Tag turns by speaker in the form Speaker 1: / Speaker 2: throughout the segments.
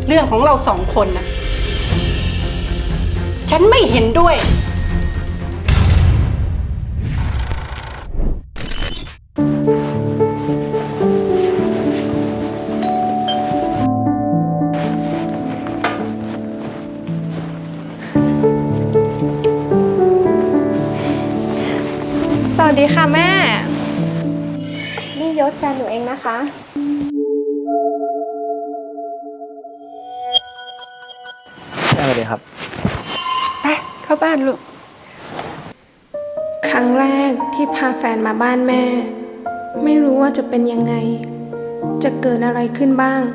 Speaker 1: เรื่องของเรา2 คนนะฉันไม่เห็นด้วย
Speaker 2: สวัสดีค่ะแม่ นี่ยศแฟนหนูเองนะคะ
Speaker 3: สวัสดีครับ
Speaker 1: ไปเข้าบ้านลูก
Speaker 2: ครั้งแรกที่พาแฟนมาบ้านแม่ ไม่รู้ว่าจะเป็นยังไง จะเกิดอะไรขึ้นบ้าง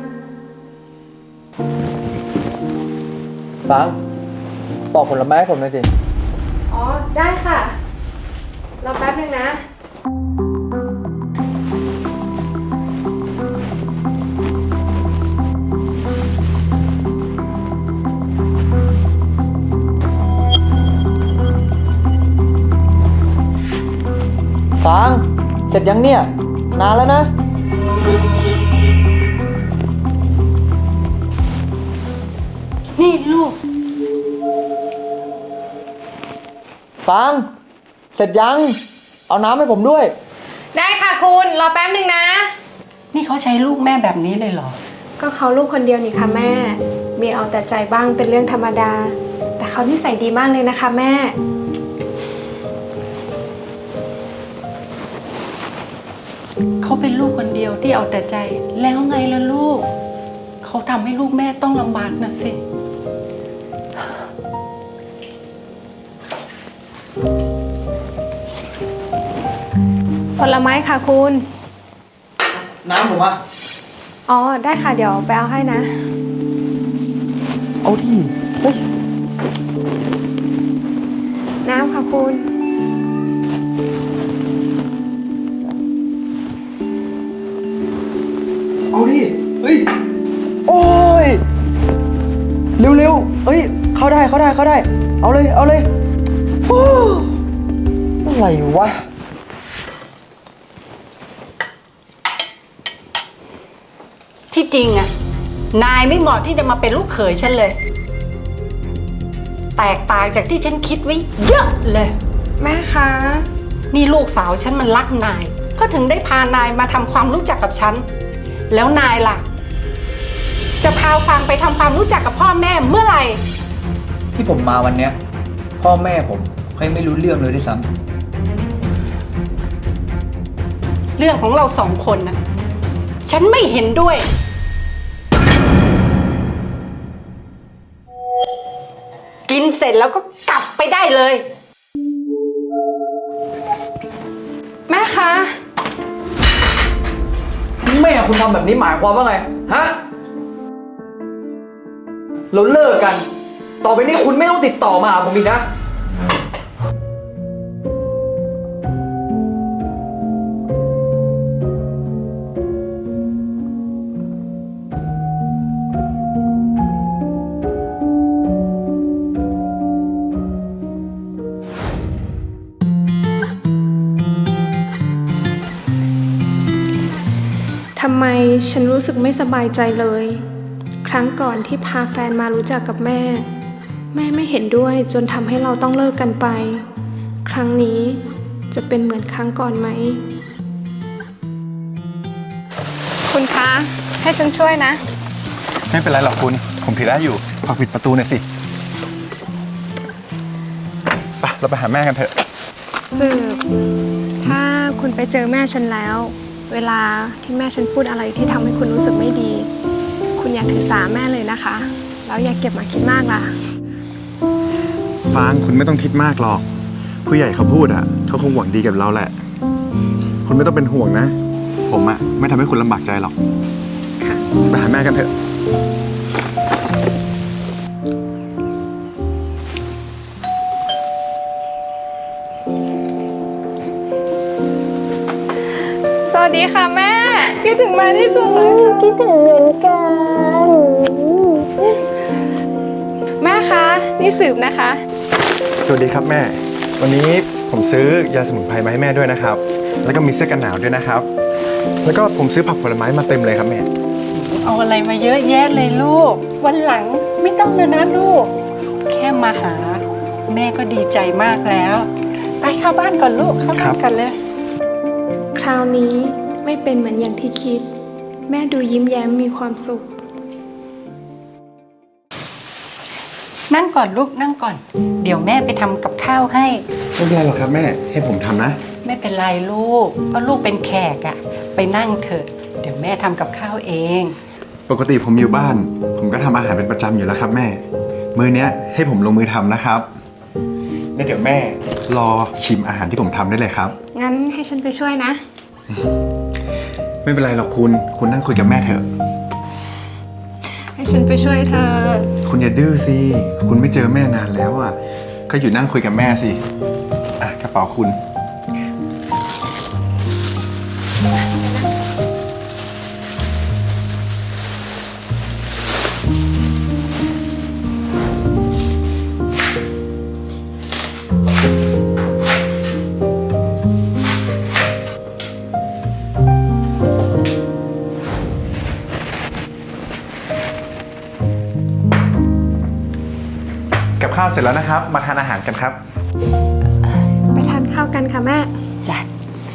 Speaker 3: ฟังปอกผลไม้ให้ผมหน่อยสิ
Speaker 2: อ๋อ ได้ค่ะ รอแป๊บนึงนะ
Speaker 3: ฟังเสร็จยังเนี่ย นานแล้วนะ
Speaker 1: นี่ลูก
Speaker 3: ฟังเสร็จยัง เอาน้ำให้ผมด้วย
Speaker 2: ได้ค่ะคุณ รอแป๊บนึงนะ
Speaker 1: นี่เขาใช้ลูกแม่แบบนี้เลยเหรอ
Speaker 2: ก็เขาลูกคนเดียวนี่ค่ะแม่ มีเอาแต่ใจบ้างเป็นเรื่องธรรมดา แต่เขานิสัยดีมากเลยนะคะแม่
Speaker 1: เขาเป็นลูกคนเดียวที่เอาแต่ใจแล้วไงล่ะลูก เขาทำให้ลูกแม่ต้องลำบากนะสิ
Speaker 2: ผลไม้ค่ะคุณ
Speaker 3: น้ำผมอะ
Speaker 2: อ๋อ ได้ค่ะเดี๋ยวไปเอาให้นะ
Speaker 3: เอาที่เฮ้ย
Speaker 2: น้ำค่ะคุณ
Speaker 3: เอาดิ เฮ้ย โอ้ย เร็วๆ เฮ้ย เข้าได้ เอาเลย เอาเลยโอ้อะไรวะ
Speaker 1: ที่จริงอะนายไม่เหมาะที่จะมาเป็นลูกเขยฉันเลย แตกต่างจากที่ฉันคิดไว้เยอะเลย
Speaker 2: แม่คะ
Speaker 1: นี่ลูกสาวฉันมันรักนาย ก็ถึงได้พานายมาทำความรู้จักกับฉัน แล้วนายล่ะ จะพาฟังไปทำความรู้จักกับพ่อแม่เมื่อไหร่
Speaker 3: ที่ผมมาวันเนี้ย พ่อแม่ผมเขายังไม่รู้เรื่องเลยด้วยซ้
Speaker 1: เรื่องของเรา2 คนนะฉันไม่เห็นด้วย กินเสร็จแล้วก็กลับไปได้เลย
Speaker 2: แม่คะ
Speaker 3: ำแม่คุณทำแบบนี้หมายความว่าไง ฮะ เราเลิกกัน ต่อไปนี้คุณไม่ต้องติดต่อมาหาผมอีกนะ
Speaker 2: ทำไมฉันรู้สึกไม่สบายใจเลย ครั้งก่อนที่พาแฟนมารู้จักกับแม่ แม่ไม่เห็นด้วยจนทำให้เราต้องเลิกกันไป ครั้งนี้จะเป็นเหมือนครั้งก่อนไหม คุณคะ ให้ฉันช่วยนะ
Speaker 4: ไม่เป็นไรหรอกคุณ ผมถือได้อยู่ ฝากปิดประตูหน่อยสิไปเราไปหาแม่กันเถอะ
Speaker 2: สืบ ถ้าคุณไปเจอแม่ฉันแล้ว เวลาที่แม่ฉันพูดอะไรที่ทำให้คุณรู้สึกไม่ดี คุณอย่าถือสาแม่เลยนะคะ แล้วอย่าเก็บมาคิดมากล่ะ
Speaker 4: ฟางคุณไม่ต้องคิดมากหรอก ผู้ใหญ่เขาพูดอ่ะเขาคงหวังดีกับเราแหละ คุณไม่ต้องเป็นห่วงนะ ผมอ่ะไม่ทำให้คุณลำบากใจหรอก
Speaker 2: ค่ะ
Speaker 4: ไปหาแม่กันเถอะ
Speaker 2: สวัสดีค่ะแม่ คิดถึงแม่ที่สุดเลยคิดถึงเหมือนกัน แม่คะ นี่สืบนะคะ
Speaker 4: สวัสดีครับแม่ วันนี้ผมซื้อยาสมุนไพรมาให้แม่ด้วยนะครับ แล้วก็มีเสื้อกันหนาวด้วยนะครับ แล้วก็ผมซื้อผักผลไม้มาเต็มเลยครับแม่
Speaker 1: เเอาอะไรมาเยอะแยะเลยลูก วันหลังไม่ต้องเลยนะลูก แค่มาหา แม่ก็ดีใจมากแล้ว ไปเข้าบ้านก่อนลูก เข้าบ้านกันเลย
Speaker 2: คราวนี้ไม่เป็นเหมือนอย่างที่คิด แม่ดูยิ้มแย้มมีความสุข
Speaker 1: นั่งก่อนลูกนั่งก่อน เดี๋ยวแม่ไปทำกับข้าวให้
Speaker 4: ไม่เป็นไรหรอกครับแม่ ให้ผมทำนะ
Speaker 1: ไม่เป็นไรลูก ก็ลูกเป็นแขกอะไปนั่งเถอะ เดี๋ยวแม่ทำกับข้าวเอง
Speaker 4: ปกติผมอยู่บ้าน ผมก็ทำอาหารเป็นประจำอยู่แล้วครับแม่ มื้อเนี้ยให้ผมลงมือทำนะครับแล้วเดี๋ยวแม่รอชิมอาหารที่ผมทำได้เลยครับ
Speaker 2: งั้นให้ฉันไปช่วยนะ
Speaker 4: ไม่เป็นไรหรอกคุณนั่งคุยกับแม่เถอะ
Speaker 2: ให้ฉันไปช่วยเธอ
Speaker 4: คุณอย่าดื้อสิ คุณไม่เจอแม่นานแล้วอ่ะ ก็อยู่นั่งคุยกับแม่สิ อ่ะกระเป๋าคุณ กับข้าวเสร็จแล้วนะครับ มาทานอาหารกันครับ
Speaker 2: ไปทานข้าวกันค่ะแม่
Speaker 1: จ้ะ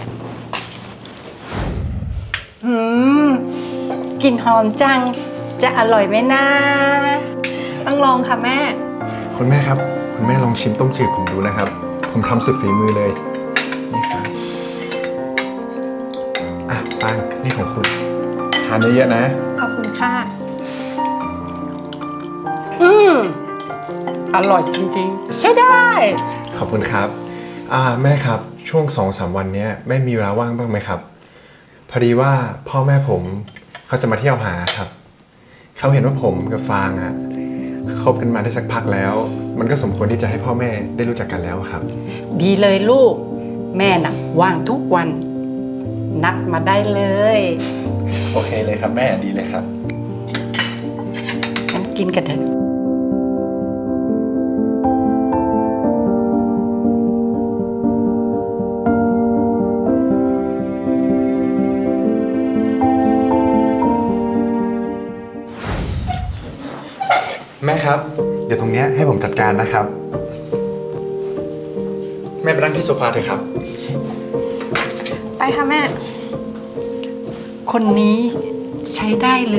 Speaker 1: กลิ่นหอมจัง จะอร่อยไหมนะ
Speaker 2: ต้องลองค่ะแม่
Speaker 4: คุณแม่ครับ คุณแม่ลองชิมต้มจืดผมดูนะครับ ผมทำสุดฝีมือเลย นี่ครับ อ่ะปังนี่ของคุณ ทานเยอะๆนะ
Speaker 2: ขอบคุณค่ะ
Speaker 1: อร่อยจริงๆ ใช่ได้
Speaker 4: ขอบคุณครับ แม่ครับ ช่วง 2-3 วันเนี้ยแม่มีเวลาว่างบ้างไหมครับ พอดีว่าพ่อแม่ผมเขาจะมาเที่ยวหาครับ เขาเห็นว่าผมกับฟางอะคบกันมาได้สักพักแล้ว มันก็สมควรที่จะให้พ่อแม่ได้รู้จักกันแล้วครับ
Speaker 1: ดีเลยลูก แม่น่ะว่างทุกวัน นัดมาได้เลย
Speaker 4: โอเคเลยครับแม่ดีเลยครับ
Speaker 1: งั้นกินกันเถอะ
Speaker 4: แม่ครับ เดี๋ยวตรงเนี้ยให้ผมจัดการนะครับ แม่ไปนั่งที่โซฟาเถอะครับ
Speaker 2: ไปค่ะแม่
Speaker 1: คนนี้ใช้ได้เลย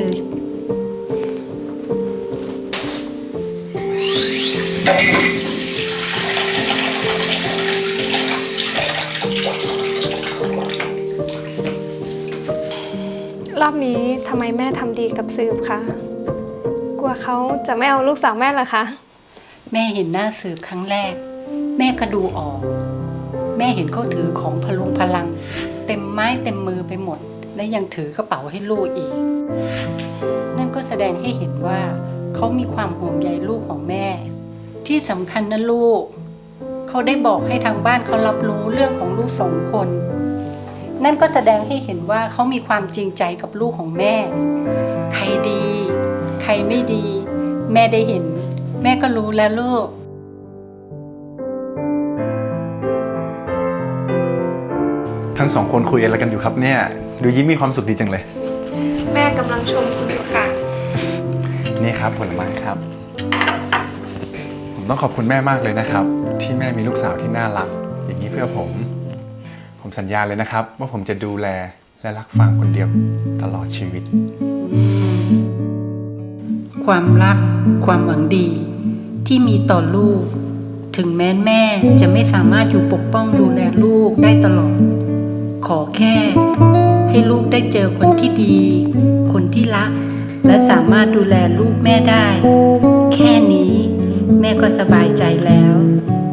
Speaker 2: รอบนี้ทำไมแม่ทำดีกับสืบคะกลัวเขาจะไม่เอาลูกสาวแม่เหรอคะ
Speaker 1: แม่เห็นหน้าสืบครั้งแรก แม่ก็ดูออก แม่เห็นเขาถือของพลุงพลัง เต็มไม้เต็มมือไปหมด และยังถือกระเป๋าให้ลูกอีก นั่นก็แสดงให้เห็นว่าเขามีความห่วงใยลูกของแม่ ที่สำคัญนะลูก เขาได้บอกให้ทางบ้านเขารับรู้เรื่องของลูก2 คน นั่นก็แสดงให้เห็นว่าเขามีความจริงใจกับลูกของแม่ ใครดี ใครไม่ดี แม่ได้เห็น แม่ก็รู้แล้วลูก
Speaker 4: ทั้ง2 คนคุยอะไรกันอยู่ครับเนี่ย ดูยิ้มมีความสุขดีจังเลย
Speaker 2: แม่กำลังชมคุณอยู่ค่ะ
Speaker 4: นี่ครับผลไม้ครับ ผมต้องขอบคุณแม่มากเลยนะครับ ที่แม่มีลูกสาวที่น่ารัก อย่างนี้เพื่อผม ผมสัญญาเลยนะครับ ว่าผมจะดูแลและรักฟางคนเดียวตลอดชีวิต
Speaker 1: ความรัก ความหวังดีที่มีต่อลูก ถึงแม้แม่จะไม่สามารถอยู่ปกป้องดูแลลูกได้ตลอด ขอแค่ให้ลูกได้เจอคนที่ดี คนที่รัก และสามารถดูแลลูกแม่ได้ แค่นี้แม่ก็สบายใจแล้ว